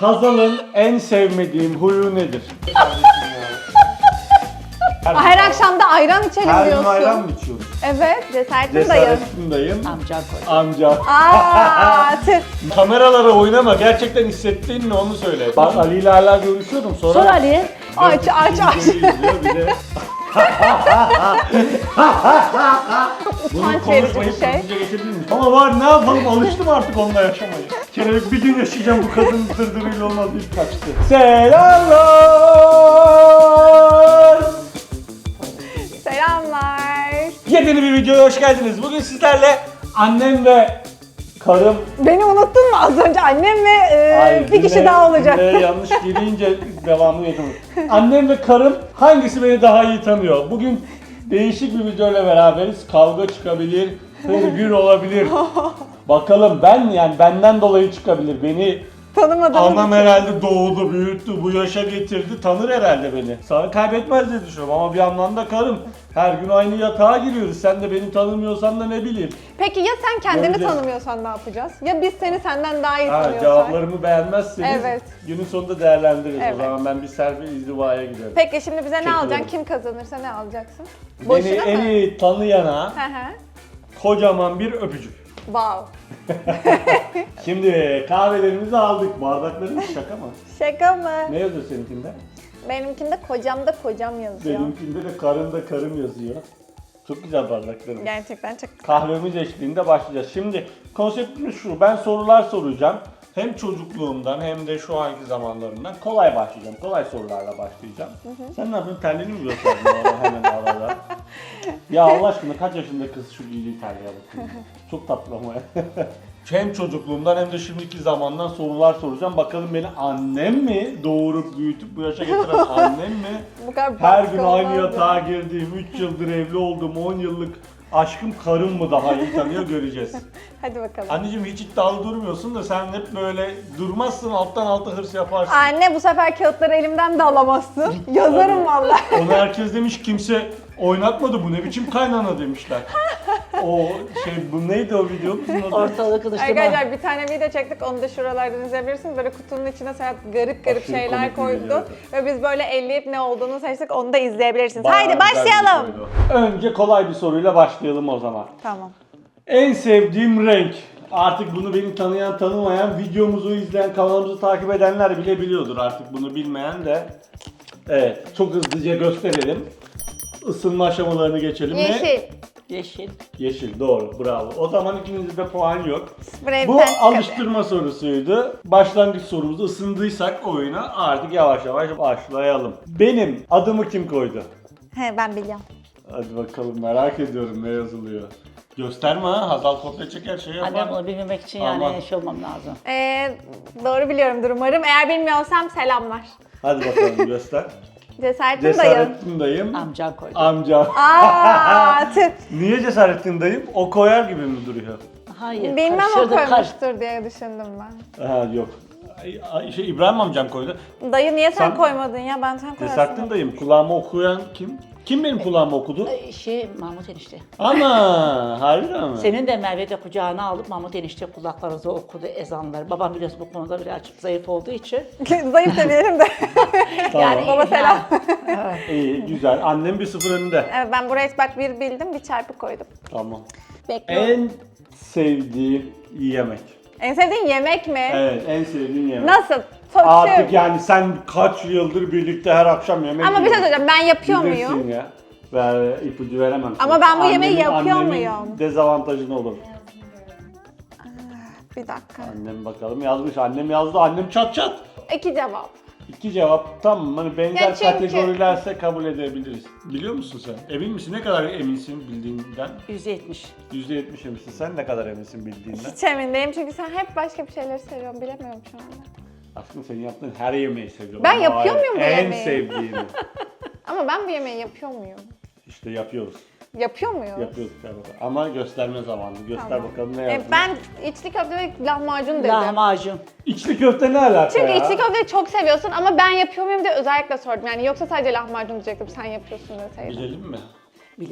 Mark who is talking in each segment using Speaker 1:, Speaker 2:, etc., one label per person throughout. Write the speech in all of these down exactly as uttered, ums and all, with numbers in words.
Speaker 1: Hazal'ın en sevmediğim huyu nedir?
Speaker 2: Her akşam da ayran içelim
Speaker 1: Her gün
Speaker 2: diyorsun.
Speaker 1: ayran mı içiyoruz?
Speaker 2: Evet, cesaretin dayı.
Speaker 1: Cesaretin dayım.
Speaker 3: Amca koy.
Speaker 1: Amca.
Speaker 2: Aaa tüh.
Speaker 1: Kameralara oynama. Gerçekten hissettiğin ne onu söyle. Ben Ali ile hala görüşüyorum. Sonra
Speaker 3: Sor Ali.
Speaker 2: Aç aç aç.
Speaker 1: izliyor bir de. Bunu
Speaker 2: Utanç verici bir
Speaker 1: konuşmayıp
Speaker 2: şey.
Speaker 1: hızlıca geçebilir miyiz? Ama var ne yapalım, alıştım artık onunla yaşamaya. Kelebek bir gün yaşayacağım, bu kadın dırdırıyla olmaz deyip kaçtı. Selamlar.
Speaker 2: Selamlar.
Speaker 1: Yepyeni bir videoya hoş geldiniz. Bugün sizlerle annem ve karım...
Speaker 2: Beni unuttun mu az önce? Annem ve e,
Speaker 1: Hayır,
Speaker 2: bir kişi
Speaker 1: cümle-
Speaker 2: daha olacak.
Speaker 1: cümleye yanlış gireyince devamını yapamadım. Annem ve karım hangisi beni daha iyi tanıyor? Bugün değişik bir videoyla beraberiz. Kavga çıkabilir, hırgür olabilir. Bakalım ben yani benden dolayı çıkabilir. Beni
Speaker 2: Tanımadığım
Speaker 1: anam herhalde doğdu, büyüttü, bu yaşa getirdi. Tanır herhalde beni. Sana kaybetmez diye düşünüyorum ama bir yandan da karım. Her gün aynı yatağa giriyoruz. Sen de beni tanımıyorsan da ne bileyim.
Speaker 2: Peki ya sen kendini
Speaker 1: Göreceğiz.
Speaker 2: tanımıyorsan ne yapacağız? Ya biz seni senden daha iyi
Speaker 1: Ha,
Speaker 2: tanıyorsak?
Speaker 1: cevaplarımı beğenmezseniz
Speaker 2: Evet.
Speaker 1: günün sonunda değerlendiririz.
Speaker 2: Evet.
Speaker 1: O zaman ben bir selfie izdivaya giderim.
Speaker 2: Peki şimdi bize ne
Speaker 1: Teşekkür
Speaker 2: alacaksın?
Speaker 1: ederim.
Speaker 2: Kim kazanırsa ne alacaksın?
Speaker 1: Beni
Speaker 2: Boşuna
Speaker 1: en
Speaker 2: mı?
Speaker 1: iyi tanıyana
Speaker 2: Hı hı.
Speaker 1: kocaman bir öpücük.
Speaker 2: Wow.
Speaker 1: Şimdi kahvelerimizi aldık. Bardaklarımız şaka mı?
Speaker 2: Şaka mı?
Speaker 1: Ne yazıyor seninkinde?
Speaker 2: Benimkinde kocam da kocam yazıyor.
Speaker 1: Benimkinde de karın da karım yazıyor. Çok güzel bardaklarımız.
Speaker 2: Gerçekten çok
Speaker 1: Kahvemiz eşliğinde başlayacağız. Şimdi konseptimiz şu. Ben sorular soracağım. Hem çocukluğumdan hem de şu anki zamanlarımdan kolay başlayacağım. Kolay sorularla başlayacağım. Sen ne yapıyorsun? Terliğini mi gösterdin bana hemen arada? Ya Allah aşkına kaç yaşında kız şu giydiği terliğe bakın. Çok tatlı ama ya. Hem çocukluğumdan hem de şimdiki zamandan sorular soracağım. Bakalım beni annem mi doğurup büyütüp bu yaşa getiren annem mi?
Speaker 2: Bu kadar
Speaker 1: Her
Speaker 2: baskı
Speaker 1: gün aynı
Speaker 2: olmaz
Speaker 1: yatağa
Speaker 2: ya.
Speaker 1: girdiğim, üç yıldır evli olduğum, on yıllık aşkım karım mı daha iyi tanıyor göreceğiz.
Speaker 2: Hadi bakalım.
Speaker 1: Anneciğim hiç iddialı durmuyorsun da sen hep böyle durmazsın, alttan alta hırs yaparsın.
Speaker 2: Anne bu sefer kağıtları elimden de alamazsın. Yazarım vallahi.
Speaker 1: Onu herkes demiş, kimse oynatmadı, bu ne biçim kaynana demişler. O şey, bu neydi o video? Bizim adı?
Speaker 3: Ortalığı kılıçtırma.
Speaker 2: Arkadaşlar bir tane video çektik, onu da şuralardan izleyebilirsiniz. Böyle kutunun içine Serhat garip garip
Speaker 1: Aşırı
Speaker 2: şeyler
Speaker 1: komik bir
Speaker 2: koydu.
Speaker 1: videoydu.
Speaker 2: Ve biz böyle elleyip ne olduğunu seçtik, onu da izleyebilirsiniz.
Speaker 1: Bayağı
Speaker 2: Haydi
Speaker 1: güzel bir
Speaker 2: başlayalım.
Speaker 1: videoydu. Önce kolay bir soruyla başlayalım o zaman.
Speaker 2: Tamam.
Speaker 1: En sevdiğim renk. Artık bunu beni tanıyan tanımayan, videomuzu izleyen, kanalımızı takip edenler bile biliyordur artık, bunu bilmeyen de. Evet, çok hızlıca gösterelim. Isınma aşamalarını geçelim. Ne?
Speaker 2: Yeşil.
Speaker 3: Yeşil.
Speaker 1: Yeşil, doğru, bravo. O zaman ikinizde puan yok.
Speaker 2: Sprey
Speaker 1: Bu
Speaker 2: pen çıkardı.
Speaker 1: alıştırma sorusuydu. Başlangıç sorumuzda ısındıysak oyuna artık yavaş yavaş başlayalım. Benim adımı kim koydu?
Speaker 2: He ben biliyorum.
Speaker 1: Hadi bakalım, merak ediyorum ne yazılıyor. Gösterme ha, Hazal kopya çeker şey yapar.
Speaker 3: Annem bunu bilmemek için
Speaker 1: Aman.
Speaker 3: yani şey olmam lazım.
Speaker 2: Ee, doğru biliyorumdur umarım. Eğer bilmiyorsam selamlar.
Speaker 1: Hadi bakalım göster.
Speaker 2: Cesaretin dayı.
Speaker 1: Cesarettin dayım.
Speaker 3: Amca koydu.
Speaker 1: Amca.
Speaker 2: Aaa tüh.
Speaker 1: Niye Cesarettin dayım? O koyar gibi mi duruyor?
Speaker 3: Hayır.
Speaker 2: Bilmem o
Speaker 3: karıştırdı, kaç-
Speaker 2: koymuştur diye düşündüm ben.
Speaker 1: Ha yok. Ay, ay, Şey, İbrahim amcam koydu.
Speaker 2: Dayı niye sen,
Speaker 1: Sen-
Speaker 2: koymadın ya? Ben sen koyarsın.
Speaker 1: Cesarettin dayım. Kulağıma okuyan kim? Kim benim kulağıma okudu?
Speaker 3: Ay, Şey Mahmut enişte.
Speaker 1: Ana, harbiden mi?
Speaker 3: Senin de Merve de kucağına alıp Mahmut enişte kulaklarınıza okudu ezanları. Babam biliyorsun bu konuda birazcık zayıf olduğu için.
Speaker 2: Zayıf demeyelim de.
Speaker 1: Tamam.
Speaker 3: Yani
Speaker 2: Baba selam.
Speaker 1: İyi, güzel. Annem bir sıfır önünde.
Speaker 2: Evet, ben buraya bak bir bildim, bir çarpı koydum.
Speaker 1: Tamam.
Speaker 2: Bekliyorum.
Speaker 1: En sevdiğim yemek.
Speaker 2: En sevdiğin yemek mi?
Speaker 1: Evet, en sevdiğim yemek.
Speaker 2: Nasıl? Çok
Speaker 1: Artık
Speaker 2: şey-
Speaker 1: yani sen kaç yıldır birlikte her akşam yemek
Speaker 2: Ama bir şey
Speaker 1: yiyoruz.
Speaker 2: söyleyeceğim, ben yapıyor
Speaker 1: Bilirsin
Speaker 2: muyum?
Speaker 1: ya. Ver, ipucu veremem.
Speaker 2: Ama
Speaker 1: sana.
Speaker 2: ben bu yemeği
Speaker 1: Annemin-
Speaker 2: yapıyor
Speaker 1: annemin
Speaker 2: muyum?
Speaker 1: dezavantajı ne olur?
Speaker 2: Bir dakika.
Speaker 1: Annem bakalım yazmış. Annem yazdı. Annem çat çat.
Speaker 2: İki cevap.
Speaker 1: İki cevap tamam. Hani benzer
Speaker 2: Ya çünkü-
Speaker 1: kategorilerse kabul edebiliriz. Biliyor musun sen? Emin misin? Ne kadar eminsin bildiğinden?
Speaker 3: yüzde yetmiş.
Speaker 1: yüzde yetmiş eminsin. Sen ne kadar eminsin bildiğinden?
Speaker 2: Hiç emin değilim çünkü sen hep başka bir şeyleri seviyorsun. Bilemiyorum şu anda.
Speaker 1: Aslında senin yaptığın her yemeği seviyorum.
Speaker 2: Ben
Speaker 1: Ama
Speaker 2: yapıyor
Speaker 1: hayır,
Speaker 2: muyum bu
Speaker 1: En
Speaker 2: yemeği?
Speaker 1: sevdiğini.
Speaker 2: Ama ben bu yemeği yapıyor muyum?
Speaker 1: İşte yapıyoruz.
Speaker 2: Yapıyor muyum?
Speaker 1: Yapıyoruz galiba. Ama gösterme zamanı. Göster
Speaker 2: Tamam.
Speaker 1: bakalım ne
Speaker 2: E,
Speaker 1: yazdın.
Speaker 2: ben içli köfte ve lahmacun dedim.
Speaker 3: Lahmacun.
Speaker 1: İçli köfte ne alaka
Speaker 2: Çünkü
Speaker 1: ya?
Speaker 2: içli köfteyi çok seviyorsun ama ben yapıyor muyum diye özellikle sordum. Yani yoksa sadece lahmacun diyecektim, sen yapıyorsun deseydin.
Speaker 1: Bilelim mi?
Speaker 3: Bilirim.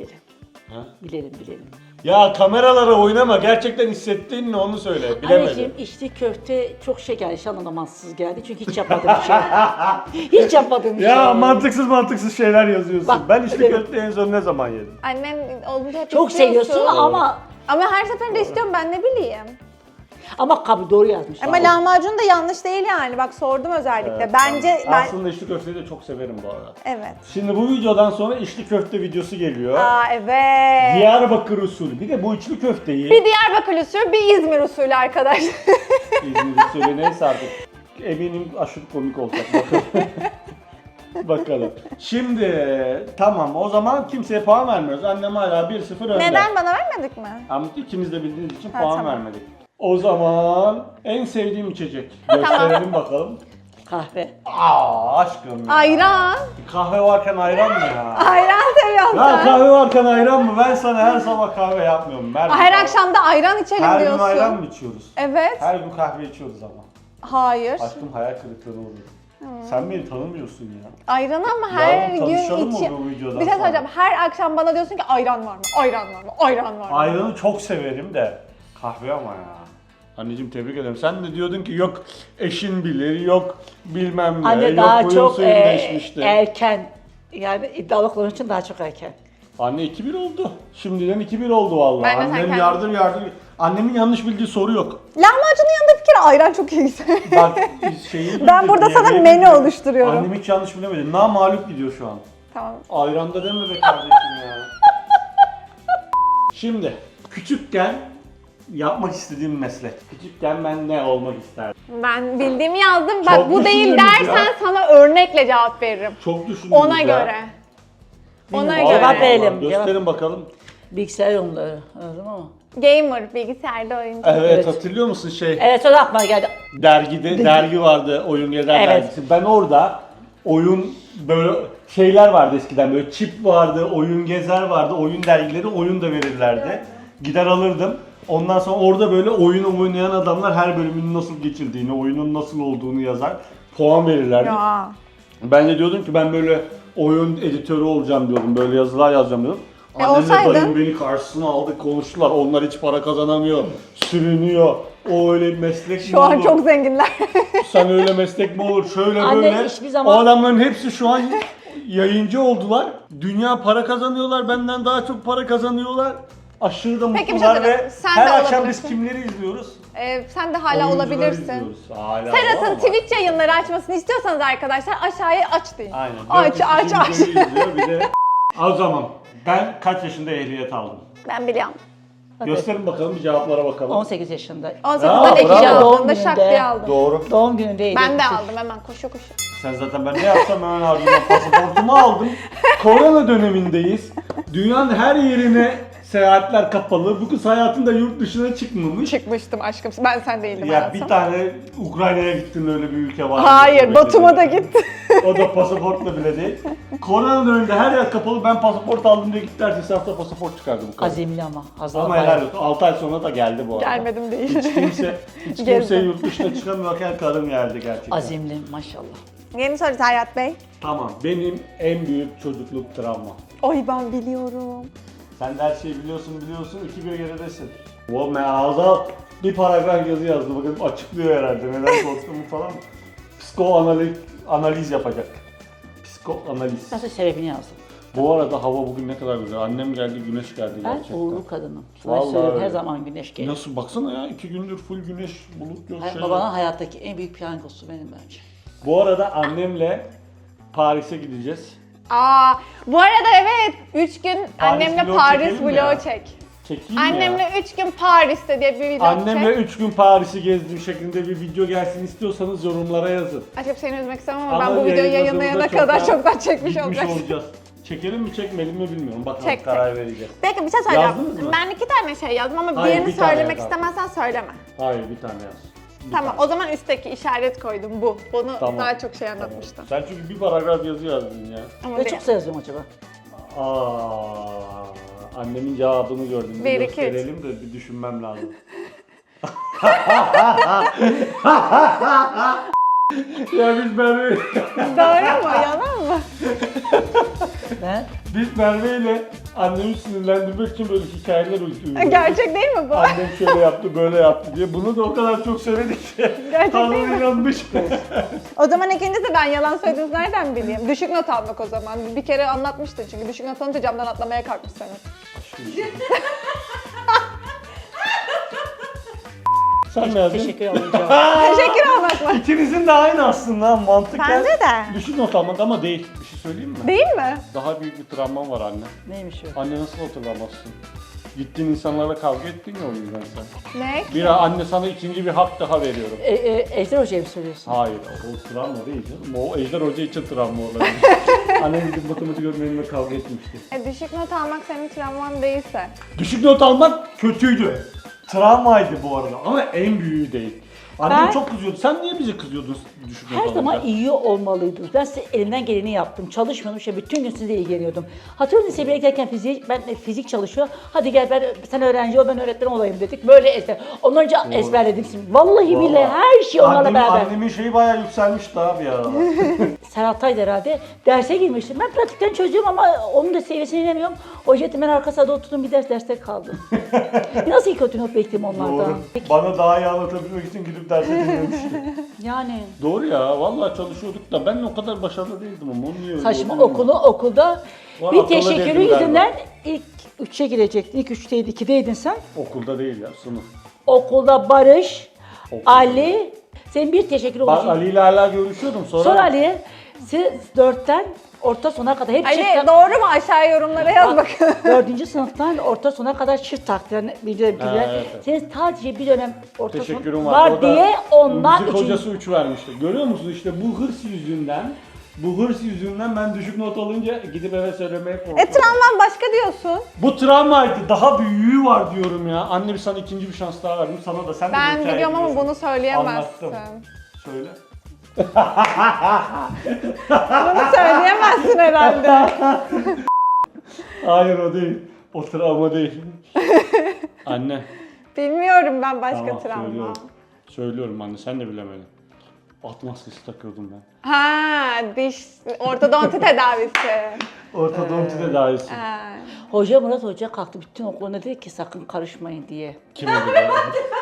Speaker 1: Ha?
Speaker 3: Bilelim bilelim.
Speaker 1: Ya kameralara oynama. Gerçekten hissettin mi onu söyle. Bilemedim.
Speaker 3: Anneciğim içli köfte çok şey geldi. Şu an anlamazsız geldi. Çünkü hiç yapmadığım bir şey. Hiç yapmadığım bir şey.
Speaker 1: Ya mantıksız mantıksız şeyler yazıyorsun.
Speaker 3: Bak,
Speaker 1: ben içli
Speaker 3: evet.
Speaker 1: köfte en son ne zaman yedim?
Speaker 2: Annem olunca hep
Speaker 3: Çok
Speaker 2: istiyorsun.
Speaker 3: seviyorsun ama
Speaker 2: Ama her seferinde istiyorum, ben ne bileyim.
Speaker 3: ama kabul doğru yazmış.
Speaker 2: Ama lahmacun da yanlış değil yani. Bak sordum özellikle.
Speaker 1: Evet,
Speaker 2: Bence
Speaker 1: tamam.
Speaker 2: ben...
Speaker 1: Aslında içli köfteyi de çok severim bu arada.
Speaker 2: Evet.
Speaker 1: Şimdi bu videodan sonra içli köfte videosu geliyor.
Speaker 2: Aa evet.
Speaker 1: Diyarbakır usulü. Bir de bu içli köfteyi
Speaker 2: Bir Diyarbakır usulü, bir İzmir usulü arkadaşlar.
Speaker 1: İzmir usulü neyse artık. Eminim aşırı komik olacak. Bakalım. Bakalım. Şimdi tamam o zaman kimseye puan vermiyoruz. Annem hala bir sıfır önde.
Speaker 2: Neden, bana vermedik mi?
Speaker 1: Ama ikimiz de bildiğiniz için
Speaker 2: Ha,
Speaker 1: puan
Speaker 2: tamam.
Speaker 1: vermedik. O zaman en sevdiğim içecek. Gösterelim bakalım.
Speaker 3: Kahve.
Speaker 1: Aa aşkım ya.
Speaker 2: Ayran.
Speaker 1: Kahve varken ayran mı ya?
Speaker 2: Ayran seviyorsun
Speaker 1: Ya
Speaker 2: sen.
Speaker 1: kahve varken ayran mı? Ben sana her sabah kahve yapmıyorum. Her,
Speaker 2: Her akşam da ayran içelim
Speaker 1: her
Speaker 2: diyorsun.
Speaker 1: gün ayran mı içiyoruz?
Speaker 2: Evet.
Speaker 1: Her gün kahve içiyoruz ama.
Speaker 2: Hayır.
Speaker 1: Aşkım hayal kırıklığına uğradım. Sen beni tanımıyorsun ya.
Speaker 2: Ayran ama her
Speaker 1: Yarın
Speaker 2: gün
Speaker 1: tanışalım mı
Speaker 2: içi...
Speaker 1: bu videodan
Speaker 2: Bir şey
Speaker 1: sonra?
Speaker 2: söyleyeceğim. Her akşam bana diyorsun ki ayran var mı? Ayran var mı? Ayran var mı?
Speaker 1: Ayranı çok severim de kahve ama ya. Anneciğim tebrik ederim. Sen de diyordun ki yok eşin bilir, yok bilmem ne,
Speaker 3: Anne
Speaker 1: yok
Speaker 3: daha
Speaker 1: huyun
Speaker 3: çok
Speaker 1: suyun
Speaker 3: e,
Speaker 1: değişmişti.
Speaker 3: erken. Yani iddialı konuşmak için daha çok erken.
Speaker 1: Anne iki bir oldu. Şimdiden iki bir oldu vallahi.
Speaker 2: Ben de sen
Speaker 1: Annem
Speaker 2: kendin-
Speaker 1: yardım yardım. Annemin yanlış bildiği soru yok.
Speaker 2: Lahmacunun yanında bir kere ayran çok iyi.
Speaker 1: Bak şeyi
Speaker 2: Ben burada sana
Speaker 1: yemeği
Speaker 2: menü
Speaker 1: bildi.
Speaker 2: oluşturuyorum.
Speaker 1: Annem hiç yanlış bilemedi. Na mağlup gidiyor şu an.
Speaker 2: Tamam.
Speaker 1: Ayranda deme be kardeşim ya. Şimdi küçükken yapmak istediğim meslek. Küçükken ben ne olmak isterdim?
Speaker 2: Ben bildiğimi yazdım. Bak
Speaker 1: Çok
Speaker 2: bu değil
Speaker 1: düşündünüz
Speaker 2: dersen
Speaker 1: ya.
Speaker 2: sana örnekle cevap veririm.
Speaker 1: Çok düşündüm.
Speaker 2: Ona göre. Ona
Speaker 3: Bilmiyorum.
Speaker 2: göre.
Speaker 3: Cevap verelim.
Speaker 1: Gösterin bakalım.
Speaker 3: Bilgisayar oyunları. Öyle mi?
Speaker 2: Gamer, bilgisayarda oyuncu.
Speaker 1: Evet,
Speaker 3: Evet.
Speaker 1: hatırlıyor musun şey
Speaker 3: Evet o da aklıma geldi.
Speaker 1: dergide dergi vardı Oyun Gezer
Speaker 3: Evet.
Speaker 1: dergisi. Ben orada oyun böyle şeyler vardı eskiden böyle çip vardı, Oyun Gezer vardı, oyun dergileri oyun da verirlerdi. Gider alırdım. Ondan sonra orada böyle oyunu oynayan adamlar her bölümün nasıl geçildiğini, oyunun nasıl olduğunu yazar. Puan verirlerdi.
Speaker 2: Ya.
Speaker 1: Ben de diyordum ki ben böyle oyun editörü olacağım diyordum. Böyle yazılar yazacağım diyordum.
Speaker 2: E,
Speaker 1: Annemle
Speaker 2: olsaydın?
Speaker 1: dayım beni karşısına aldı konuştular. Onlar hiç para kazanamıyor. Sürünüyor. O öyle bir meslek mi
Speaker 2: Şu an
Speaker 1: olur?
Speaker 2: çok zenginler.
Speaker 1: Sen öyle meslek mi olur? Şöyle
Speaker 3: Anne
Speaker 1: böyle.
Speaker 3: hiçbir zaman-
Speaker 1: O adamların hepsi şu an yayıncı oldular. Dünya para kazanıyorlar. Benden daha çok para kazanıyorlar. Aşırı da
Speaker 2: Peki, bir şey
Speaker 1: mutlular
Speaker 2: söyleyeyim.
Speaker 1: ve
Speaker 2: Sen
Speaker 1: her
Speaker 2: de
Speaker 1: akşam biz
Speaker 2: olabilirsin.
Speaker 1: kimleri izliyoruz?
Speaker 2: Ee, sen de hala
Speaker 1: Oyuncuları
Speaker 2: olabilirsin.
Speaker 1: izliyoruz. Hala
Speaker 2: Serhat'ın
Speaker 1: ama.
Speaker 2: Twitch yayınları açmasını istiyorsanız arkadaşlar aşağıya aç deyin.
Speaker 1: Aynen.
Speaker 2: Aç
Speaker 1: Dört
Speaker 2: aç
Speaker 1: kişi
Speaker 2: aç.
Speaker 1: videoyu izliyor, bir de o zaman ben kaç yaşında ehliyet aldım?
Speaker 2: Ben biliyorum.
Speaker 1: Gösterin bakalım bir cevaplara bakalım.
Speaker 3: on sekiz yaşında.
Speaker 2: on sekizde
Speaker 1: Bravo,
Speaker 2: de
Speaker 1: bravo.
Speaker 2: ikinci
Speaker 3: Doğum
Speaker 2: aldığımda şak
Speaker 3: gününde.
Speaker 2: diye aldım.
Speaker 1: Doğru.
Speaker 3: Doğum günündeydi.
Speaker 2: Ben de aldım hemen koşu koşu.
Speaker 1: Sen zaten ben ne yapsam hemen ardından pasaportumu aldım. Korona dönemindeyiz. Dünyanın her yerine seyahatler kapalı. Bu kız hayatında yurt dışına çıkmamış.
Speaker 2: Çıkmıştım aşkım. Ben sen değildim
Speaker 1: Ya
Speaker 2: hayatım.
Speaker 1: bir tane Ukrayna'ya gittin öyle bir ülke var.
Speaker 2: Hayır, Batum'a da gitti.
Speaker 1: O da pasaportla bile değil. Korona döneminde her yer kapalı. Ben pasaport aldım diye gitti. Ertesi hafta pasaport çıkardı bu kadın.
Speaker 3: Azimli ama. Hazır
Speaker 1: Ama helal olsun. altı ay sonra da geldi bu arada.
Speaker 2: Gelmedim değil.
Speaker 1: Hiç kimse, hiç kimse
Speaker 2: Gezdim.
Speaker 1: yurt dışına çıkamıyorken karım geldi gerçekten.
Speaker 3: Azimli maşallah.
Speaker 2: Yeni soru Serhat Bey.
Speaker 1: Tamam, benim en büyük çocukluk travma.
Speaker 2: Oy ben biliyorum.
Speaker 1: Sen de her şeyi biliyorsun biliyorsun, iki bir geridesin. O meaza bir paragraf yazı yazdı, bakın açıklıyor herhalde neden korktuğumu falan. Psikoanaliz analiz yapacak. Psikoanaliz.
Speaker 3: Nasıl sebebini yazdım.
Speaker 1: Bu arada hava bugün ne kadar güzel. Annem geldi, güneş geldi
Speaker 3: Ben
Speaker 1: gerçekten.
Speaker 3: uğurlu kadınım. Sana
Speaker 1: Vallahi
Speaker 3: söylüyorum her
Speaker 1: öyle.
Speaker 3: zaman güneş gelir.
Speaker 1: Nasıl baksana ya, iki gündür full güneş, bulut yok
Speaker 3: Hay-
Speaker 1: şey.
Speaker 3: Babanın hayattaki en büyük piyangosu benim bence.
Speaker 1: Bu arada annemle Paris'e gideceğiz.
Speaker 2: Aa, bu arada evet üç gün annemle
Speaker 1: vlog
Speaker 2: Paris
Speaker 1: çekelim mi ya?
Speaker 2: vlog çek.
Speaker 1: Çekeyim ya.
Speaker 2: Annemle üç gün Paris'te diye bir vlog
Speaker 1: Annemle
Speaker 2: çek.
Speaker 1: üç gün Paris'i gezdim şeklinde bir video gelsin istiyorsanız yorumlara yazın.
Speaker 2: Aşkım seni üzmek istemem ama,
Speaker 1: Ama
Speaker 2: ben bu videoyu
Speaker 1: yayınladığımızda
Speaker 2: yayınlayana
Speaker 1: çoktan
Speaker 2: kadar çoktan çekmiş
Speaker 1: Gitmiş
Speaker 2: olacağız.
Speaker 1: olacağız. Çekelim mi çekmeyelim mi bilmiyorum. Bakalım
Speaker 2: Çek,
Speaker 1: karar vereceğiz.
Speaker 2: Peki bir şey söyleyeceğim.
Speaker 1: Yazdınız mı?
Speaker 2: Ben iki tane şey yazdım ama
Speaker 1: Hayır,
Speaker 2: birini
Speaker 1: bir tane
Speaker 2: söylemek
Speaker 1: yaz abi.
Speaker 2: istemezsen söyleme.
Speaker 1: Hayır bir tane yaz. Bir
Speaker 2: Tamam
Speaker 1: tane.
Speaker 2: o zaman üstteki işaret koydum bu. Bunu
Speaker 1: Tamam.
Speaker 2: daha çok şey
Speaker 1: Tamam.
Speaker 2: anlatmıştım.
Speaker 1: Sen çünkü bir paragraf yazı yazdın ya.
Speaker 2: Ama
Speaker 3: Ve
Speaker 2: bir-
Speaker 3: çok yazıyorum acaba.
Speaker 1: Aa, annemin cevabını gördüm. Bir
Speaker 2: Bir, iki, üç.
Speaker 1: gösterelim de bir düşünmem lazım. Ya biz Merve
Speaker 2: Doğru mu? Yalan mı?
Speaker 3: Ben
Speaker 1: biz Merve ile Annemi sinirlendirmek için böyle hikayeler uyduruyor.
Speaker 2: Gerçek değil mi bu?
Speaker 1: Annem şöyle yaptı, böyle yaptı diye. Bunu da o kadar çok söyledik ki.
Speaker 2: Gerçek
Speaker 1: Hanım
Speaker 2: değil mi?
Speaker 1: inanmış.
Speaker 2: O zaman ikincisi ben yalan söylediğinizi nereden bileyim? Düşük not almak o zaman. Bir kere anlatmıştın çünkü düşük not alınca camdan atlamaya kalkmış senin.
Speaker 1: Sen ne yazdın?
Speaker 3: Teşekkür ederim.
Speaker 2: Teşekkür almak mı?
Speaker 1: İkinizin de aynı aslında mantıken.
Speaker 2: Bence de.
Speaker 1: Düşük not almak ama değil. Bir şey söyleyeyim mi?
Speaker 2: Değil mi?
Speaker 1: Daha büyük bir travman var anne.
Speaker 3: Neymiş o?
Speaker 1: Anne nasıl hatırlamazsın? Gittiğin insanlarla kavga ettin ya o yüzden sen.
Speaker 2: Ne?
Speaker 1: Bir anne sana ikinci bir hak daha veriyorum.
Speaker 3: E, e, Ejder Hoca'ya mı söylüyorsun?
Speaker 1: Hayır, o travma değil canım. O Ejder Hoca için travma olabilir. Annem gidip matematik öğretmenimle kavga etmişti.
Speaker 2: E, düşük not almak senin travman değilse.
Speaker 1: Düşük not almak kötüydü. Travmaydı bu arada ama en büyüğü değil. Annem
Speaker 3: Ben-
Speaker 1: çok kızıyordu. Sen niye bize kızıyordun düşük not
Speaker 3: Her zaman
Speaker 1: alınca?
Speaker 3: iyi olmalıydınız. Ben size elimden geleni yaptım. Çalışmıyordum. İşte bütün gün sizle ilgileniyordum. Hatırlıyorum liseye giderken fizik, ben fizik çalışıyor. Hadi gel ben sen öğrenci ol ben öğretmen olayım dedik. Böyle ezber. Ondan önce ezberledim şimdi. Vallahi billahi her şey onlarla
Speaker 1: Annemin,
Speaker 3: beraber.
Speaker 1: annemin şeyi bayağı yükselmişti abi ya.
Speaker 3: Serhat Tay herhalde derse girmiştim. Ben pratikten çözüyorum ama onun da seviyesine inemiyorum. Hoca ben arka sırada oturdum bir ders derste kaldım. Nasıl kötü not bekleyeyim onlardan?
Speaker 1: Doğru. Bana daha iyi anlatabilmek için gidip derse dinlemiştim.
Speaker 3: Yani
Speaker 1: Doğru ya, vallahi çalışıyorduk da ben o kadar başarılı değildim ama onu niye öyle
Speaker 3: saçma
Speaker 1: oluyor mu?
Speaker 3: okulu okulda
Speaker 1: Var,
Speaker 3: bir
Speaker 1: akıllı
Speaker 3: teşekkürü
Speaker 1: değildim galiba.
Speaker 3: yüzünden ilk üçe girecektin. İlk üçteydi, ikideydin sen.
Speaker 1: Okulda değil ya, sınıf.
Speaker 3: Okulda Barış,
Speaker 1: Okulda.
Speaker 3: Ali, senin bir teşekkür
Speaker 1: Ben
Speaker 3: olacak.
Speaker 1: Ali ile hala görüşüyordum sonra.
Speaker 3: Sonra Ali'ye siz dörtten orta sona kadar hep
Speaker 2: Ali
Speaker 3: çift
Speaker 2: doğru mu? Aşağı yorumlara yaz bakalım.
Speaker 3: Dördüncü sınıftan orta sona kadar çift taktiren bir dönem.
Speaker 1: Ha, evet, evet.
Speaker 3: Senin sadece bir dönem orta son
Speaker 1: Teşekkürüm var.
Speaker 3: var
Speaker 1: O da
Speaker 3: diye ondan
Speaker 1: müzik
Speaker 3: için.
Speaker 1: hocası üç vermişti. Görüyor musun işte bu hırs yüzünden, bu hırs yüzünden ben düşük not alınca gidip eve söylemeye korkuyorum.
Speaker 2: E travman başka diyorsun.
Speaker 1: Bu travmaydı. Daha büyüğü var diyorum ya. Anne bir sana ikinci bir şans daha verdim. Sana da sen de bu
Speaker 2: Ben
Speaker 1: hikayeyi
Speaker 2: biliyorum ama
Speaker 1: biliyorsun.
Speaker 2: bunu söyleyemezsin.
Speaker 1: Anlattım. Söyle.
Speaker 2: Bunu söyleyemezsin herhalde.
Speaker 1: Hayır o değil. O travma değil. Anne.
Speaker 2: Bilmiyorum ben başka
Speaker 1: Tamam
Speaker 2: travma.
Speaker 1: söylüyorum. Söylüyorum anne sen de bilemedin. At maskesi takıyordum ben.
Speaker 2: Ha, diş ortodonti tedavisi.
Speaker 1: Ortodonti tedavisi.
Speaker 2: Ha.
Speaker 3: Hoca Murat Hoca kalktı bütün okuluna dedi ki sakın karışmayın diye.
Speaker 1: Kime dedi?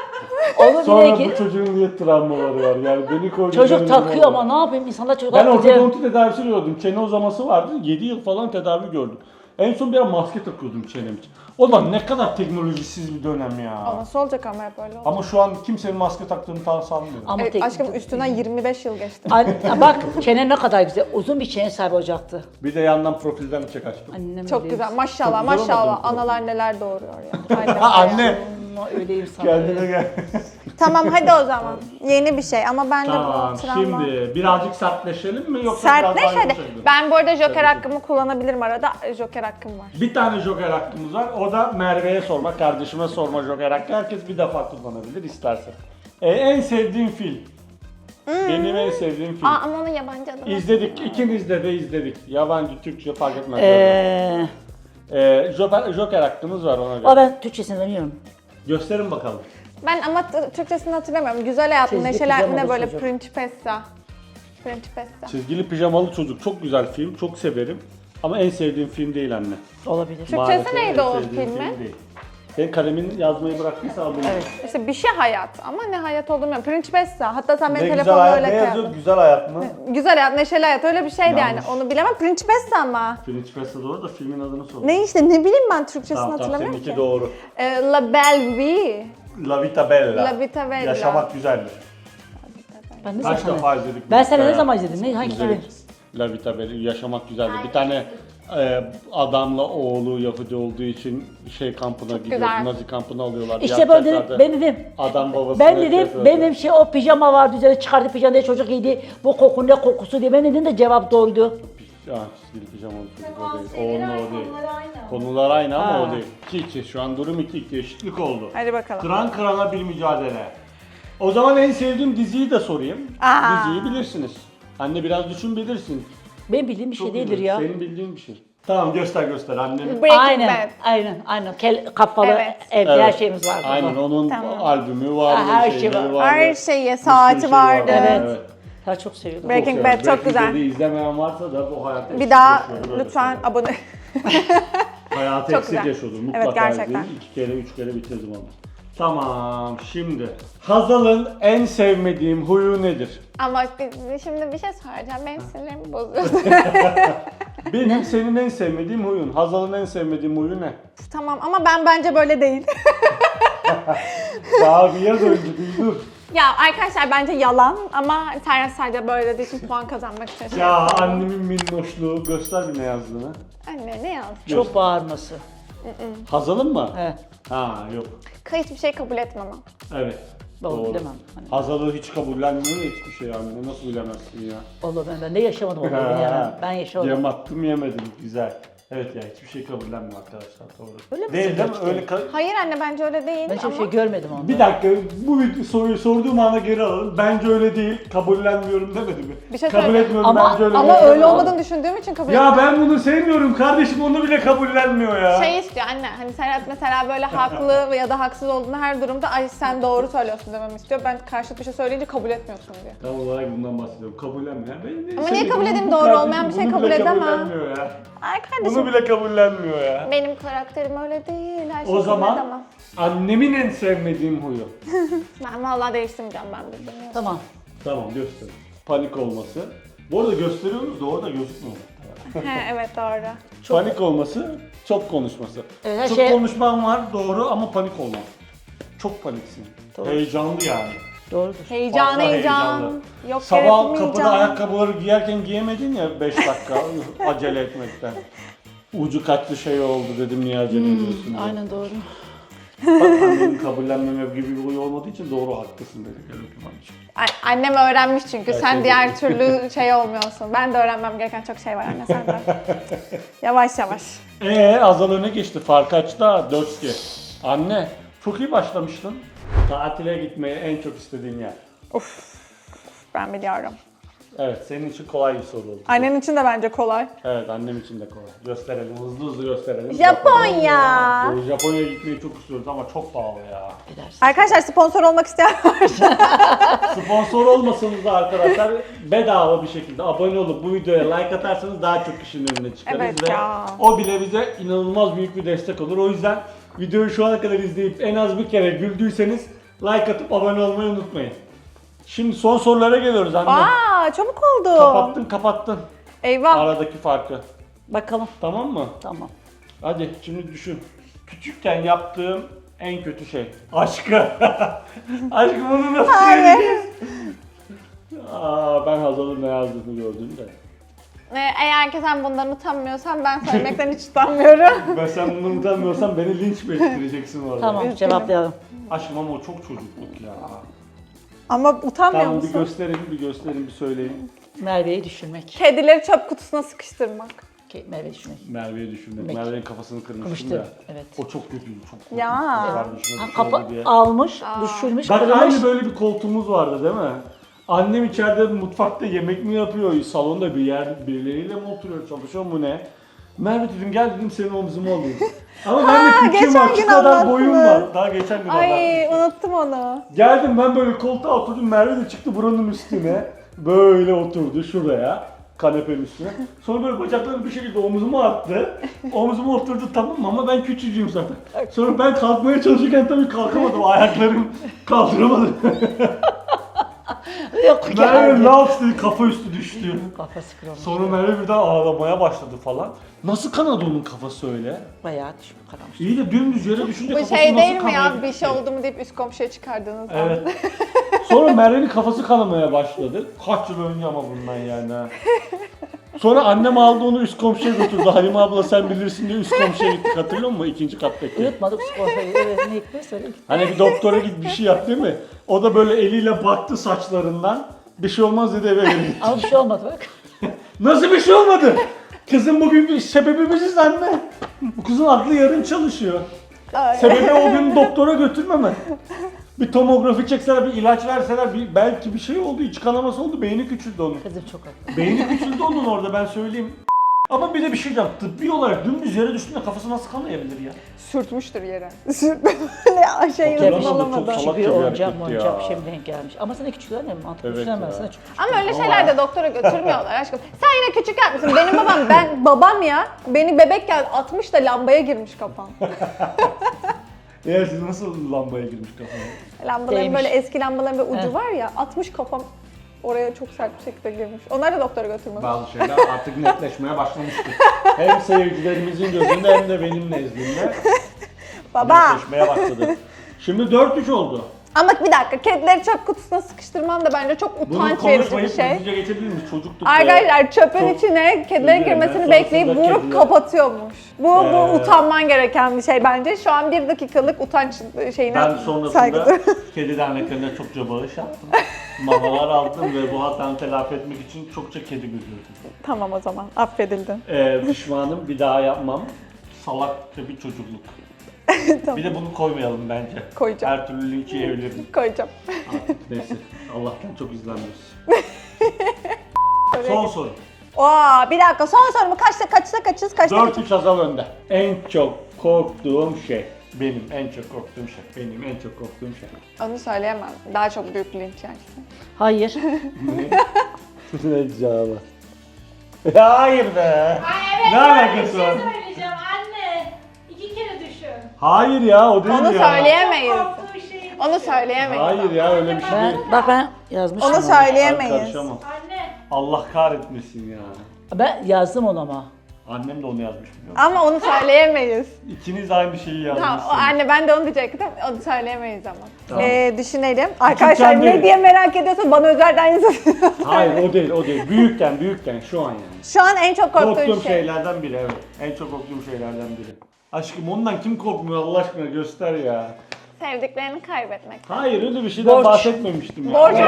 Speaker 3: Onu
Speaker 1: Sonra
Speaker 3: bile
Speaker 1: bu
Speaker 3: ki
Speaker 1: çocuğun niye travmaları var yani beni koydu.
Speaker 3: çocuk
Speaker 1: benim
Speaker 3: takıyor
Speaker 1: oldu.
Speaker 3: ama ne yapayım insanlar çocuk
Speaker 1: Ben
Speaker 3: haklı diye-
Speaker 1: ortodonti tedavisi gördüm. Çene uzaması vardı. yedi yıl falan tedavi gördüm. En son bir ara maske takıyordum çenem için. O da ne kadar teknolojisiz bir dönem
Speaker 2: O
Speaker 1: ya.
Speaker 2: nasıl olacak ama hep öyle oldu.
Speaker 1: Ama şu an kimsenin maske taktığını tam sanmıyorum.
Speaker 3: Ama
Speaker 2: Evet,
Speaker 3: tek-
Speaker 2: aşkım üstünden yirmi beş yıl geçti.
Speaker 3: An- bak çene ne kadar güzel. Uzun bir çene sahibi olacaktı.
Speaker 1: Bir de yandan profilden bıçak açtım.
Speaker 3: Annem
Speaker 2: Çok
Speaker 3: öyle-
Speaker 2: güzel. Maşallah
Speaker 1: Çok güzel
Speaker 2: maşallah.
Speaker 1: olmadı mı?
Speaker 2: Analar neler doğuruyor ya. Aynen.
Speaker 1: Ha anne.
Speaker 3: Ama öyleyim sana.
Speaker 1: Kendine gel.
Speaker 2: Tamam hadi o zaman. Yeni bir şey ama ben de
Speaker 1: Tamam
Speaker 2: bu travma.
Speaker 1: şimdi birazcık sertleşelim mi yoksa
Speaker 2: Sertleş
Speaker 1: biraz daha
Speaker 2: hadi.
Speaker 1: yumuşayalım?
Speaker 2: Ben bu arada joker hakkımı kullanabilirim arada. Joker hakkım var.
Speaker 1: Bir tane joker hakkımız var. O da Merve'ye sorma, kardeşime sorma joker hakkı. Herkes bir defa kullanabilir isterse. Ee, en sevdiğim film. Benim en sevdiğim film.
Speaker 2: Aa ama onun yabancı adı var.
Speaker 1: İzledik, ikimiz de de izledik. Yabancı, Türkçe fark etmez.
Speaker 3: Eee...
Speaker 1: Ee, joker, joker hakkımız var ona göre.
Speaker 3: Ama ben Türkçesini bilmiyorum.
Speaker 1: Gösterin bakalım.
Speaker 2: Ben ama t- Türkçesini hatırlamıyorum. Güzel hayat mı,
Speaker 3: Çizgi
Speaker 2: neşeli hayat mı ne
Speaker 3: pijamalı
Speaker 2: böyle
Speaker 3: çocuk.
Speaker 2: Principessa. Principessa.
Speaker 1: Çizgili Pijamalı Çocuk çok güzel film, çok severim. Ama en sevdiğim film değil anne.
Speaker 3: Olabilir.
Speaker 2: Türkçesi
Speaker 1: Maalesef
Speaker 2: neydi
Speaker 1: en
Speaker 2: o
Speaker 1: sevdiğim
Speaker 2: filmin?
Speaker 1: film değil. Senin kalemin yazmayı bıraktıysa al bunu.
Speaker 3: Evet.
Speaker 2: İşte bir şey hayat ama ne hayat olduğunu bilmiyorum. Principessa. Hatta sen benim
Speaker 1: Ne güzel
Speaker 2: telefonla
Speaker 1: hayat,
Speaker 2: öyle
Speaker 1: ne yazıyor?
Speaker 2: kıyafet.
Speaker 1: Güzel hayat mı?
Speaker 2: Güzel hayat, neşeli hayat öyle bir şeydi yani.
Speaker 1: Yanlış.
Speaker 2: Onu bilemem. Principessa ama.
Speaker 1: Principessa doğru da filmin adını sor.
Speaker 2: Ne işte ne bileyim ben Türkçesini
Speaker 1: Tamam tamam
Speaker 2: hatırlamıyorum
Speaker 1: seninki
Speaker 2: ki.
Speaker 1: doğru.
Speaker 2: Ee, La Belle Vie.
Speaker 1: La Vita Bella.
Speaker 2: La Vita Bella.
Speaker 1: Yaşamak güzeldir.
Speaker 3: Ben ne
Speaker 1: Kaç
Speaker 3: zaman?
Speaker 1: defa izledik?
Speaker 3: Ben
Speaker 1: biz
Speaker 3: seni
Speaker 1: ya?
Speaker 3: ne zaman izledim? Ne hangi
Speaker 1: İzledik. La Vita Bella, yaşamak güzeldir. Bir tane e, adamla oğlu Yahudi olduğu için şey kampına gidiyor,
Speaker 2: güzel.
Speaker 1: Nazi kampına alıyorlar.
Speaker 3: İşte ben dedim,
Speaker 1: Yapacaklardı.
Speaker 3: ben dedim.
Speaker 1: Adam babasına
Speaker 3: Ben dedim,
Speaker 1: yapıyordu.
Speaker 3: benim şey o pijama vardı üzerine çıkardı pijama diye çocuk giydi. Bu koku ne kokusu diye. Ben dedim de cevap doğruydu.
Speaker 1: Ah, çizgili pijamalı çocuk o değil. Onun o değil. Konular aynı ama
Speaker 3: Ha.
Speaker 1: o değil. iki iki şu an durum iki iki eşitlik oldu.
Speaker 2: Hadi bakalım.
Speaker 1: Kıran kırana bir mücadele. O zaman en sevdiğim diziyi de sorayım.
Speaker 2: Aa.
Speaker 1: Diziyi bilirsiniz. Anne biraz düşün bilirsin.
Speaker 3: Benim bildiğim bir şey
Speaker 1: Çok
Speaker 3: değildir
Speaker 1: güzel.
Speaker 3: ya.
Speaker 1: Senin bildiğin bir şey. Tamam göster göster annem.
Speaker 2: Breaking
Speaker 3: Aynen,
Speaker 2: Bad.
Speaker 3: aynen, aynen. Kel, kafalı
Speaker 2: Evet.
Speaker 3: evde
Speaker 1: Evet.
Speaker 3: her şeyimiz vardı.
Speaker 1: Aynen onun
Speaker 2: Tamam.
Speaker 1: albümü vardı,
Speaker 3: Ha, her şey
Speaker 1: şeyleri
Speaker 3: var.
Speaker 1: vardı.
Speaker 2: Her
Speaker 1: Bir
Speaker 2: şeyi,
Speaker 1: sürü
Speaker 2: saati
Speaker 1: şey
Speaker 2: vardı.
Speaker 3: Evet. Ben çok seviyordum.
Speaker 2: Breaking
Speaker 1: severim.
Speaker 2: Bad çok
Speaker 1: Breaking
Speaker 2: güzel.
Speaker 1: Bad'i izlemeyen varsa da bu hayatta
Speaker 2: Bir daha
Speaker 1: yaşıyor, böyle
Speaker 2: lütfen
Speaker 1: söylüyorum.
Speaker 2: abone.
Speaker 1: Hayatı
Speaker 2: Çok
Speaker 1: eksik
Speaker 2: güzel.
Speaker 1: yaşıyordum.
Speaker 2: Evet,
Speaker 1: Mutlaka
Speaker 2: gerçekten.
Speaker 1: izleyin. İki kere, üç kere bitirdim onu. Tamam, şimdi. Hazal'ın en sevmediğim huyu nedir?
Speaker 2: Ama bir- şimdi bir şey söyleyeceğim. Benim sinirlerimi bozuyorsun.
Speaker 1: Benim senin en sevmediğim huyun. Hazal'ın en sevmediğim huyu ne?
Speaker 2: Tamam ama ben bence böyle değil.
Speaker 1: Daha bir yaz önce bir dur.
Speaker 2: Ya arkadaşlar bence yalan ama Serhat sadece böyle dediği için puan kazanmak için. şey
Speaker 1: Ya
Speaker 2: yapıyor.
Speaker 1: annemin minnoşluğu. Göster bir ne yazdığını.
Speaker 2: Anne ne yazdın?
Speaker 3: Çok bağırması.
Speaker 1: Hazal'ın mı?
Speaker 3: He.
Speaker 1: Ha yok.
Speaker 2: Hiçbir şey kabul etmem.
Speaker 1: Evet.
Speaker 3: Doğru,
Speaker 1: Doğru.
Speaker 3: bilemem. Hani-
Speaker 1: Hazal'ı hiç kabullenmiyor ya hiçbir şey anne. Nasıl bilemezsin ya?
Speaker 3: Allah ben, ben de yaşamadım onu bilemem. Ben yaşamadım.
Speaker 1: Yem attım yemedim. Güzel. Evet ya hiçbir şey kabullenmiyor arkadaşlar doğru.
Speaker 3: Öyle mi
Speaker 1: Değil değil mi?
Speaker 3: gerçekten?
Speaker 1: Öyle ka-
Speaker 2: Hayır anne bence öyle değil
Speaker 3: Ben hiçbir
Speaker 2: ama...
Speaker 3: şey görmedim onda.
Speaker 1: Bir dakika bu vid- soruyu sorduğum ana geri alalım. Bence öyle değil. Kabullenmiyorum demedi mi?
Speaker 2: Bir şey
Speaker 1: Kabul
Speaker 2: söyle-
Speaker 1: etmiyorum
Speaker 3: Ama-
Speaker 1: bence öyle
Speaker 2: Ama
Speaker 1: değil.
Speaker 2: öyle olmadığını düşündüğüm için kabul
Speaker 1: Ya
Speaker 2: etmiyorum.
Speaker 1: ben bunu sevmiyorum kardeşim onu bile kabullenmiyor ya.
Speaker 2: Şey istiyor anne, hani Serhat mesela böyle haklı ya da haksız olduğunu her durumda ay sen doğru söylüyorsun dememi istiyor. Ben karşıt bir şey söyleyince kabul etmiyorsun diyor.
Speaker 1: Tam olarak bundan bahsediyorum. Kabullenmeyen. Ben de
Speaker 2: Ama niye
Speaker 1: sevmediğim
Speaker 2: kabul edeyim?
Speaker 1: bu
Speaker 2: Doğru
Speaker 1: kardeşim
Speaker 2: olmayan bir şey
Speaker 1: bunu
Speaker 2: kabul
Speaker 1: bile
Speaker 2: edemem.
Speaker 1: kabullenmiyor ya.
Speaker 2: Ay kardeşim
Speaker 1: Bunu bile kabullenmiyor ya.
Speaker 2: benim karakterim öyle değil. Her şeyi
Speaker 1: O
Speaker 2: kabul
Speaker 1: zaman
Speaker 2: edemem.
Speaker 1: annemin en sevmediğim huyu.
Speaker 2: Ben vallahi değiştirmeyeceğim ben bilmiyorum.
Speaker 3: Tamam.
Speaker 1: Tamam göster. Panik olması. Bu arada gösteriyoruz da orada gözükmüyor.
Speaker 2: He evet doğru.
Speaker 1: Panik olması, çok konuşması.
Speaker 3: Evet, her
Speaker 1: çok
Speaker 3: şey-
Speaker 1: konuşman var doğru ama panik olma. Çok paniksin.
Speaker 3: Doğru.
Speaker 1: Heyecanlı yani.
Speaker 3: Doğrudur.
Speaker 2: Heyecan
Speaker 1: Fazla
Speaker 2: heyecan.
Speaker 1: heyecanlı.
Speaker 2: Yok
Speaker 1: Sabah
Speaker 2: gerekli
Speaker 1: kapıda
Speaker 2: heyecan.
Speaker 1: ayakkabıları giyerken giyemedin ya beş dakika acele etmekten. Ucu kaçtı şey oldu dedim niye acele ediyorsun diye.
Speaker 3: Aynen doğru.
Speaker 1: Bak annenin kabullenmeme gibi bir huy olmadığı için doğru haklısın dedi. Gel öpeyim anneciğim.
Speaker 2: Ay- Annem öğrenmiş çünkü.
Speaker 1: Her
Speaker 2: Sen
Speaker 1: şey
Speaker 2: diğer
Speaker 1: biliyor.
Speaker 2: türlü şey olmuyorsun. Ben de öğrenmem gereken çok şey var anne senden. Yavaş yavaş.
Speaker 1: Eee Azal öne geçti. Fark açtı dört iki. Anne çok iyi başlamıştın. Tatile gitmeyi en çok istediğin yer.
Speaker 2: Ben biliyorum.
Speaker 1: Evet senin için kolay bir soru oldu.
Speaker 2: Annen için de bence kolay.
Speaker 1: Evet annem için de kolay. Gösterelim hızlı hızlı gösterelim.
Speaker 2: Japonya.
Speaker 1: Japonya. Japonya'ya gitmeyi çok istiyoruz ama çok pahalı ya.
Speaker 3: Gidersin.
Speaker 2: Arkadaşlar sponsor olmak isteyen varsa.
Speaker 1: Sponsor olmasanız da arkadaşlar bedava bir şekilde abone olup bu videoya like atarsanız daha çok kişinin önüne çıkarız
Speaker 2: Evet
Speaker 1: ve
Speaker 2: ya.
Speaker 1: o bile bize inanılmaz büyük bir destek olur. O yüzden videoyu şu ana kadar izleyip en az bir kere güldüyseniz like atıp abone olmayı unutmayın. Şimdi son sorulara geliyoruz anne.
Speaker 2: Aa çabuk oldu.
Speaker 1: Kapattın kapattın
Speaker 2: Eyvah.
Speaker 1: aradaki farkı.
Speaker 3: Bakalım.
Speaker 1: Tamam mı?
Speaker 3: Tamam.
Speaker 1: Hadi şimdi düşün. Küçükken yaptığım en kötü şey. Aşkı. Aşkı bunu nasıl söyleyeceğiz? Aa, ben Hazal'ın ne yazdığını gördüm de.
Speaker 2: Ee, Eğer ki sen bundan utanmıyorsan ben söylemekten hiç utanmıyorum.
Speaker 1: Ben sen bunu utanmıyorsan beni linç mi ettireceksin orada?
Speaker 3: Tamam
Speaker 2: Üzgünüm.
Speaker 3: cevaplayalım.
Speaker 1: Aşkım ama o çok çocukluk ya.
Speaker 2: Ama utanmıyor
Speaker 1: Tamam bir
Speaker 2: musun?
Speaker 1: gösterin, bir gösterin, bir söyleyin.
Speaker 3: Merve'yi düşünmek.
Speaker 2: Kedileri çöp kutusuna sıkıştırmak.
Speaker 3: Ke- Merve'yi düşünmek.
Speaker 1: Merve'yi düşündüm.
Speaker 3: Demek.
Speaker 1: Merve'nin kafasını kırmıştım
Speaker 3: Kırmıştı,
Speaker 1: ya.
Speaker 3: evet.
Speaker 1: O çok kötüydü, çok kötü.
Speaker 2: Ya.
Speaker 1: Kardeşime
Speaker 3: Ha,
Speaker 1: bir şey oldu
Speaker 3: kafa
Speaker 1: diye.
Speaker 3: almış, düşürmüş,
Speaker 1: Bak
Speaker 3: kırmış.
Speaker 1: aynı böyle bir koltuğumuz vardı değil mi? Annem içeride mutfakta yemek mi yapıyor, salonda bir yer birileriyle mi oturuyor, çalışıyor mu ne? Merve dedim gel dedim senin omzuma alayım. Ama ben de
Speaker 2: Aa,
Speaker 1: küçüğüm
Speaker 2: geçen
Speaker 1: bak
Speaker 2: gün
Speaker 1: şu kadar boyum
Speaker 2: anlattınız.
Speaker 1: var. Daha geçen gün anlattım.
Speaker 2: Ay unuttum onu.
Speaker 1: Geldim ben böyle koltuğa oturdum Merve de çıktı buranın üstüne. Böyle oturdu şuraya. Kanepenin üstüne. Sonra böyle bacaklarını bir şekilde omzuma attı. Omzuma oturdu tamam mı ama ben küçücüğüm zaten. Sonra ben kalkmaya çalışırken tabii kalkamadım. Ayaklarım kaldıramadı.
Speaker 3: Yok
Speaker 1: Merve
Speaker 3: geldi.
Speaker 1: laps dedi kafa üstü düştü.
Speaker 3: Kafası kırılmış.
Speaker 1: Sonra Merve birden ağlamaya başladı falan. Nasıl kanadı onun kafası öyle?
Speaker 3: Bayağı düşmüş, karamış.
Speaker 1: İyi de dümdüz yere düşünce
Speaker 2: Bu
Speaker 1: kafası
Speaker 2: şey
Speaker 1: nasıl
Speaker 2: değil mi
Speaker 1: kanaya
Speaker 2: ya
Speaker 1: gitti?
Speaker 2: bir şey oldu mu deyip üst komşuya çıkardığınız an.
Speaker 1: Evet. Sonra Merve'nin kafası kanamaya başladı. Kaç yıl önce ama bundan yani ha. Sonra annem aldı onu üst komşuya götürdü. Halime abla sen bilirsin diye üst komşuya gittik hatırlıyor musun? İkinci kattaki.
Speaker 3: Unutmadık sponsoru. Evet ne hikmet söyle.
Speaker 1: Hani bir doktora git bir şey yap değil mi? O da böyle eliyle baktı saçlarından. Bir şey olmaz dedi eve geri gitti.
Speaker 3: Ama bir şey olmadı bak.
Speaker 1: Nasıl bir şey olmadı? Kızım bugün bir sebebi biziz anne. Bu kızın aklı yarım çalışıyor.
Speaker 2: Ay.
Speaker 1: Sebebi o gün doktora götürmeme. Bir tomografi çekseler, bir ilaç verseler, bir, belki bir şey oldu, iç kanaması oldu, beyni küçüldü onun.
Speaker 3: Kızım çok haklı.
Speaker 1: Beyni küçüldü onun orada ben söyleyeyim. Ama bir de bir şey diyeceğim. Tıbbi olarak dümdüz yere düştüğünde kafası nasıl kanayabilir ya?
Speaker 2: Sürtmüştür yere. Sürtme böyle şey
Speaker 1: Hatırlamadım,
Speaker 2: uzun
Speaker 1: çok
Speaker 2: olamadı.
Speaker 1: salak.
Speaker 3: Bir
Speaker 1: bir
Speaker 3: oyuncak
Speaker 1: hareketti
Speaker 3: oyuncak bir
Speaker 1: ya.
Speaker 3: şey mi denk gelmiş. Ama sana küçük anne mi? Mantıklı
Speaker 1: Evet
Speaker 3: düşünemem
Speaker 1: ya.
Speaker 3: sana küçük.
Speaker 2: Ama öyle şeyler de doktora götürmüyorlar aşkım. Sen yine küçük yapmışsın. Benim babam, ben babam ya. Beni bebekken atmış da lambaya girmiş kafam.
Speaker 1: Ya siz nasıl lambaya girmiş kafana?
Speaker 2: Lambaların
Speaker 3: Değmiş.
Speaker 2: böyle eski lambaların böyle ucu
Speaker 3: Heh.
Speaker 2: var ya, atmış kafam. Oraya çok sert bir şekilde girmiş. Onlar da doktora götürmüyor.
Speaker 1: Bazı şeyler artık netleşmeye başlamıştı. Hem seyircilerimizin gözünde hem de benim nezdimde
Speaker 2: Baba!
Speaker 1: netleşmeye başladı. Şimdi dört üç oldu.
Speaker 2: Ama bir dakika, kedileri çöp kutusuna sıkıştırmam da bence çok
Speaker 1: Bunu
Speaker 2: utanç verici bir
Speaker 1: konuşmayıp
Speaker 2: şey.
Speaker 1: hızlıca geçebilir miyiz? Çocuktuk.
Speaker 2: Arkadaşlar çöpün
Speaker 1: çok
Speaker 2: içine kedilerin
Speaker 1: özür
Speaker 2: girmesini
Speaker 1: dilerim.
Speaker 2: bekleyip
Speaker 1: Sonrasında
Speaker 2: vurup
Speaker 1: kediler-
Speaker 2: kapatıyormuş. Bu, bu
Speaker 1: Ee,
Speaker 2: utanman gereken bir şey bence. Şu an bir dakikalık utanç şeyine
Speaker 1: Ben sonrasında
Speaker 2: saygı duyuyorum.
Speaker 1: kedi derneklerine çokça bağış yaptım. Mamalar aldım ve bu hatamı telafi etmek için çokça kedi götürdüm.
Speaker 2: Tamam o zaman, affedildin.
Speaker 1: Ee, pişmanım, bir daha yapmam. Salakça bir çocukluk.
Speaker 2: Tamam.
Speaker 1: Bir de bunu koymayalım bence.
Speaker 2: Koyacağım.
Speaker 1: Her türlü linki yiyebilirim.
Speaker 2: Koyacağım.
Speaker 1: Artık neyse. Allah'tan çok izlenmiyoruz. Son soru.
Speaker 2: Oo, bir dakika, son sorumu kaçta kaçta kaçız kaçta
Speaker 1: dört
Speaker 2: kaçız?
Speaker 1: üç Hazal önde. En çok korktuğum şey. Benim en çok korktuğum şey. Benim en çok korktuğum şey.
Speaker 2: Onu söyleyemem. Daha çok büyük linç yersin.
Speaker 3: Hayır.
Speaker 1: Ne? Ne cevabı? Ya hayır be.
Speaker 4: Ay evet,
Speaker 1: Ne
Speaker 4: böyle
Speaker 1: alakası
Speaker 4: bir şey
Speaker 1: var?
Speaker 4: söyleyeceğim anne. İki kere düşün.
Speaker 1: Hayır ya o değil
Speaker 2: Onu
Speaker 1: ya.
Speaker 2: söyleyemeyiz.
Speaker 4: Korktuğu şeyi
Speaker 2: Onu
Speaker 4: düşün.
Speaker 2: söyleyemeyiz.
Speaker 1: Hayır ya öyle bir şey değil.
Speaker 3: Ben, bak ben yazmışım.
Speaker 2: Onu
Speaker 3: onu.
Speaker 1: Ben
Speaker 2: söyleyemeyiz.
Speaker 1: karışamam.
Speaker 4: Anne.
Speaker 1: Allah kahretmesin ya.
Speaker 3: Ben yazdım onu ama.
Speaker 1: Annem de onu yazmış biliyor musun?
Speaker 2: Ama onu söyleyemeyiz.
Speaker 1: İkiniz aynı şeyi
Speaker 2: Tamam,
Speaker 1: yazmışsınız.
Speaker 2: o anne ben de onu diyecektim. Onu söyleyemeyiz ama.
Speaker 1: Tamam.
Speaker 2: Ee, düşünelim. Arkadaşlar
Speaker 1: değil.
Speaker 2: ne diye merak ediyorsa bana özelden yazın.
Speaker 1: Hayır o değil o değil. Büyükken büyükken şu an yani.
Speaker 2: Şu an en çok korktuğum
Speaker 1: Korktuğum
Speaker 2: şey.
Speaker 1: şeylerden biri evet. En çok korktuğum şeylerden biri. Aşkım ondan kim korkmuyor Allah aşkına göster ya.
Speaker 2: Sevdiklerini kaybetmek.
Speaker 1: Hayır öyle bir şeyden
Speaker 3: Borç.
Speaker 1: bahsetmemiştim ya.
Speaker 2: Borç.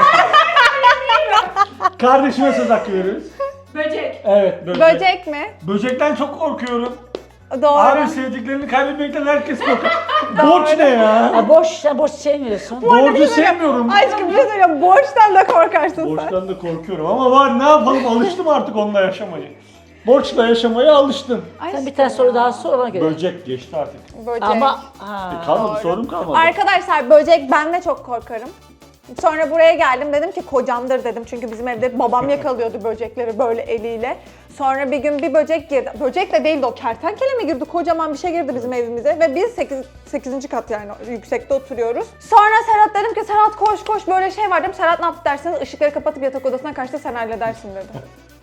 Speaker 1: Kardeşime söz hakkı veriyoruz.
Speaker 4: Böcek.
Speaker 1: Evet böcek.
Speaker 2: Böcek mi?
Speaker 1: Böcekten çok korkuyorum.
Speaker 2: Doğru.
Speaker 1: Abi sevdiklerini kaybetmekten herkes korkar. Borç ne ya?
Speaker 3: Ha, boş, sen boş sevmiyorsun.
Speaker 1: Borcu sevmiyorum.
Speaker 2: Aşkım bir şey söyleyeyim. Borçtan da korkarsın sen.
Speaker 1: Borçtan da korkuyorum ama var ne yapalım alıştım artık onunla yaşamayı. Borçla yaşamaya alıştım.
Speaker 3: Sen bir tane soru daha sor ona göre.
Speaker 1: Böcek geçti artık.
Speaker 2: Böcek.
Speaker 3: Ama ha.
Speaker 1: E, kalmadı
Speaker 2: Doğru.
Speaker 1: sorum kalmadı.
Speaker 2: Arkadaşlar böcek, ben de çok korkarım. Sonra buraya geldim, dedim ki kocamdır dedim çünkü bizim evde babam yakalıyordu böcekleri böyle eliyle. Sonra bir gün bir böcek girdi. Böcek de değildi o, kertenkele mi girdi? Kocaman bir şey girdi bizim evimize ve biz sekiz, sekizinci kat yani yüksekte oturuyoruz. Sonra Serhat dedim ki Serhat koş koş böyle şey var dedim. Serhat ne yaptı derseniz ışıkları kapatıp yatak odasına kaçtı, sen halledersin dedi.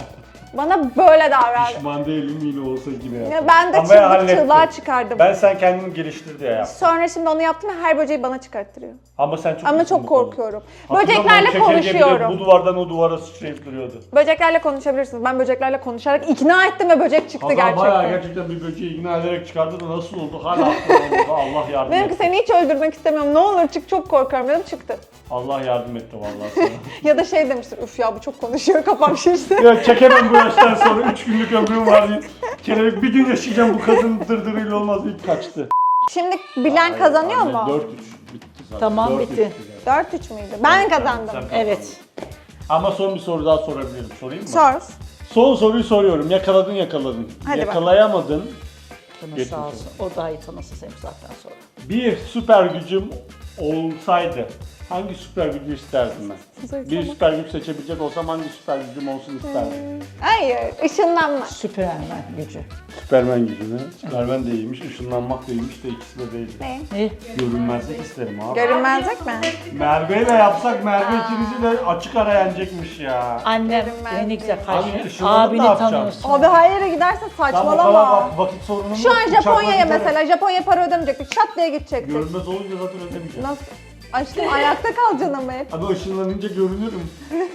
Speaker 2: Bana böyle davrandı.
Speaker 1: Pişman değilim yine olsa gibi
Speaker 2: Ya
Speaker 1: yaptım.
Speaker 2: ben de
Speaker 1: Ama
Speaker 2: çığlık
Speaker 1: hallettim.
Speaker 2: çığlığa çıkardım.
Speaker 1: Ben sen kendini geliştir diye yaptım.
Speaker 2: Sonra şimdi onu yaptım ve her böceği bana çıkarttırıyor.
Speaker 1: Ama sen çok
Speaker 2: Ama
Speaker 1: iyisin
Speaker 2: çok
Speaker 1: bu konuda.
Speaker 2: korkuyorum.
Speaker 1: Hatırlıyorum,
Speaker 2: Böceklerle
Speaker 1: o çekirge bile
Speaker 2: konuşuyorum.
Speaker 1: Bu duvardan o duvara sıçrayıp duruyordu.
Speaker 2: Böceklerle konuşabilirsiniz. Ben böceklerle konuşarak ikna ettim ve böcek çıktı
Speaker 1: Hazal
Speaker 2: gerçekten.
Speaker 1: bayağı gerçekten bir böceği ikna ederek çıkardı da nasıl oldu? Hala aklımda Allah yardım
Speaker 2: Dedim ki
Speaker 1: etti.
Speaker 2: seni hiç öldürmek istemiyorum. Ne olur çık, çok korkuyorum dedim, çıktı.
Speaker 1: Allah yardım etti vallahi sana.
Speaker 2: Ya da şey demiştir, üf ya bu çok konuşuyor, kafam şişti.
Speaker 1: Ya çekemem bu yaştan sonra üç günlük ömrüm var diye. Kelebek bir gün yaşayacağım bu kadın dırdırıyla olmaz deyip kaçtı.
Speaker 2: Şimdi bilen kazanıyor mu?
Speaker 1: dört üç bitti zaten.
Speaker 3: Tamam,
Speaker 1: dört üç
Speaker 3: bitti.
Speaker 1: zaten.
Speaker 2: dört üç müydü? Ben kazandım.
Speaker 1: Sen kazandın.
Speaker 3: Evet.
Speaker 1: Ama son bir soru daha sorabilirim. Sorayım mı?
Speaker 2: Sor.
Speaker 1: Son soruyu soruyorum. Yakaladın yakaladın.
Speaker 2: Hadi
Speaker 1: Yakalayamadın.
Speaker 3: Canı
Speaker 1: Geçmiş
Speaker 3: sağ
Speaker 1: olsun.
Speaker 3: olsun. O daha iyi tanısın seni bu saatten sonra.
Speaker 1: Bir süper gücüm olsaydı hangi süper gücü isterdim ben? Bir süper güç seçebilecek olsam hangi süper gücüm olsun isterdim?
Speaker 2: Hayır, ışınlanma.
Speaker 3: Süpermen gücü.
Speaker 1: Süpermen gücü mü? Süpermen de iyiymiş, ışınlanmak da iyiymiş de ikisi de değil.
Speaker 2: Ne?
Speaker 3: Ne?
Speaker 1: Görünmezlik isterim abi.
Speaker 2: Görünmezlik mi?
Speaker 1: Merve ile yapsak Merve ikinizi de açık ara yenecekmiş ya.
Speaker 3: Annem
Speaker 2: Görünmez
Speaker 3: beni güzel
Speaker 1: Abi,
Speaker 3: karşı.
Speaker 1: ışınlanıp ne
Speaker 3: Abini
Speaker 1: yapacaksın?
Speaker 3: tanıyorsun.
Speaker 2: Abi her yere gidersen
Speaker 1: Tam o kadar
Speaker 2: saçmalama.
Speaker 1: vak- vakit sorunum
Speaker 2: Şu
Speaker 1: yok.
Speaker 2: an
Speaker 1: Uçakla
Speaker 2: Japonya'ya
Speaker 1: giderim.
Speaker 2: mesela, Japonya para ödemeyecektik. Şat diye gidecektik.
Speaker 1: Görünmez olunca zaten ödemeyeceğim.
Speaker 2: Nasıl? Aşkım ayakta kalacaksın ama hep.
Speaker 1: Abi ışınlanınca görünürüm.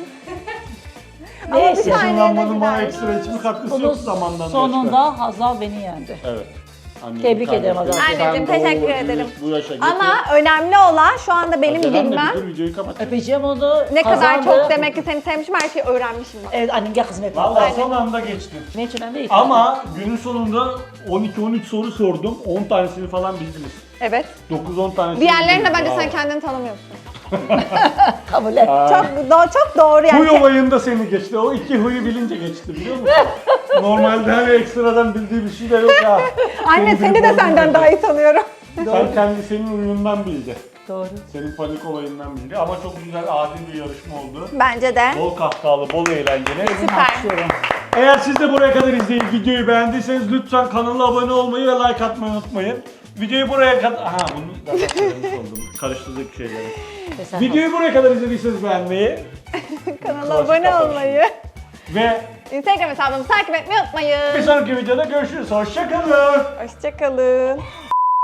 Speaker 2: Ama bir
Speaker 3: Neyse.
Speaker 2: saniyede
Speaker 1: Işınlanmanın bana
Speaker 2: gider.
Speaker 1: ekstra hiçbir katkısı
Speaker 3: Bunun
Speaker 1: yok zamandan başka.
Speaker 3: sonunda Hazal beni yendi.
Speaker 1: Evet. Annem,
Speaker 3: Tebrik
Speaker 1: kardeşim.
Speaker 3: ederim Hazal.
Speaker 1: Sen
Speaker 2: Anneciğim,
Speaker 1: de
Speaker 2: teşekkür
Speaker 1: o-
Speaker 2: ederim.
Speaker 1: Bu yaşa getir.
Speaker 2: Ama önemli olan şu anda benim
Speaker 1: Acelenle
Speaker 2: bilmem
Speaker 1: bir dur, videoyu kapat.
Speaker 3: Öpeceğim onu.
Speaker 2: ne kadar
Speaker 3: kazandı.
Speaker 2: çok demek ki seni sevmişim, her şeyi öğrenmişim bak.
Speaker 3: Evet annem gel kızım hep.
Speaker 1: Vallahi son anda geçtim.
Speaker 3: Ne için önemli değil.
Speaker 1: Ama günün sonunda on iki on üç soru sordum. on tanesini falan bildiniz.
Speaker 2: Evet.
Speaker 1: dokuz on tanesini
Speaker 2: Diğerlerine
Speaker 1: bildiniz.
Speaker 2: bence
Speaker 1: Bravo.
Speaker 2: sen kendini tanımıyorsun.
Speaker 3: kabul et.
Speaker 1: Aa,
Speaker 2: Çok do çok doğru yani.
Speaker 1: Huy olayında seni geçti. O iki huyu bilince geçti biliyor musun? Normalde hani ekstradan bildiği bir şey de yok ya.
Speaker 2: Anne
Speaker 1: Senin
Speaker 2: seni de
Speaker 1: bildiğin
Speaker 2: senden
Speaker 1: olmayacak.
Speaker 2: daha iyi tanıyorum.
Speaker 1: Sen kendi senin oyunundan bildi.
Speaker 3: Doğru.
Speaker 1: Senin panik olayından bildi ama çok güzel adil bir yarışma oldu.
Speaker 2: Bence de.
Speaker 1: Bol kahkahalı, bol eğlenceli.
Speaker 2: Süper.
Speaker 3: Alkışlıyorum.
Speaker 1: Eğer siz de buraya kadar izleyip videoyu beğendiyseniz lütfen kanala abone olmayı ve like atmayı unutmayın. Videoyu buraya kadar... Aha bunu zaten söylemiş oldum. Karıştırdık şeyleri.
Speaker 3: Tesadüf.
Speaker 1: Videoyu buraya kadar izlediyseniz beğenmeyi
Speaker 2: Kanala
Speaker 1: Kıvaç
Speaker 2: abone
Speaker 1: kapamış.
Speaker 2: olmayı.
Speaker 1: ve
Speaker 2: Instagram hesabımızı takip etmeyi
Speaker 1: bir
Speaker 2: unutmayın.
Speaker 1: sonraki videoda görüşürüz. Hoşçakalın.
Speaker 2: Hoşçakalın.